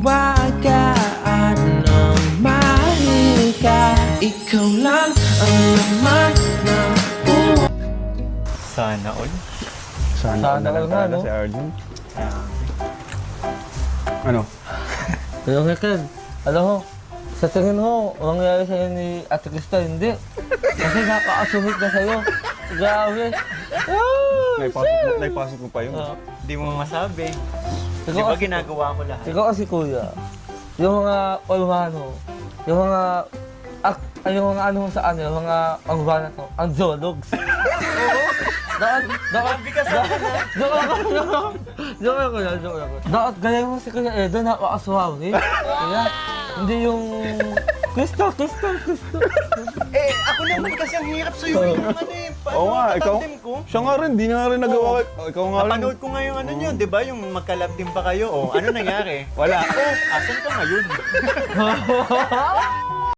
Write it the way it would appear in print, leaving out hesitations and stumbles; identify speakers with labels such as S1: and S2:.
S1: hiwagaan ng mahal ka. Ikaw lang ang laman ng buhay.
S2: Sana all.
S3: Sana na lang
S4: nga,
S3: talaga
S4: no?
S3: si Arjun. Ano?
S4: Pero Michael, alam mo, sa tingin mo, mangyayari sa'yo ni Ate Krista, hindi. Kasi naka-assumit na sa'yo. Grabe.
S3: Naipasok mo pa yun.
S2: Hindi mo masabi. Di
S4: Ikaw,
S2: ba ginagawa ko lahat?
S4: ikaw kasi kuya, yung mga Olmano, yung mga yung mga ano sa ano, yung mga Olmano to, ang zoologs. Joke ako yan. Dapat gaya mo si Kuya Edo, nakakaswaw eh. Kaya, hindi yung Krista.
S2: Eh, ako naman kasi ang hirap sa'yo yung ano eh.
S3: Oo nga, ikaw.
S2: Tatandem ko.
S3: Siya nga rin, di nga rin nagawa. Ikaw nga rin.
S2: Napanood ko nga yung ano nyo, di ba? Yung magkalab din pa kayo. O, ano nangyari?
S3: Wala.
S2: Oh, asan ka ngayon?